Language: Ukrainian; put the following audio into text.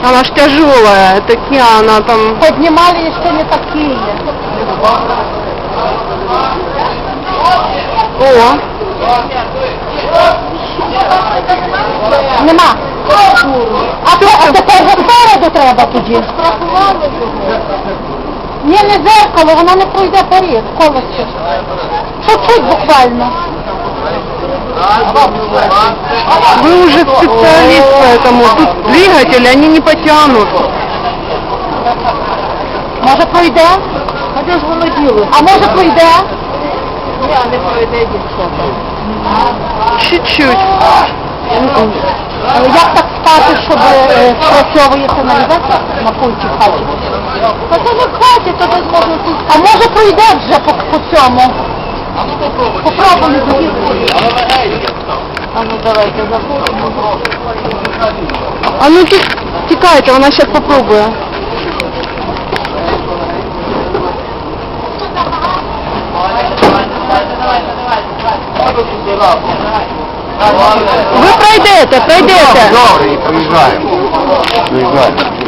Она ж тяжелая, такие она там... Поднимали еще не такие. О! Нема. А тепер спереду треба тоді. Ні, не зеркало, воно не пройде поріз, колесо. Чуть-чуть буквально. Вы уже специалист, поэтому тут двигатели, они не потянут. Може пройде? А де ж воно діло? А може пройде? Ні, не пройде дівчата. Чуть-чуть. Як так стати, щоб спрацьовує сигналізація на пульті в хаті? Та це не в хаті, то десь можна тут. А може пройде вже по цьому? Попробуємо. А ну давайте заходимо. А ну текайте, она сейчас попробует. Ви пройдете. Добре, і приїжджаємо.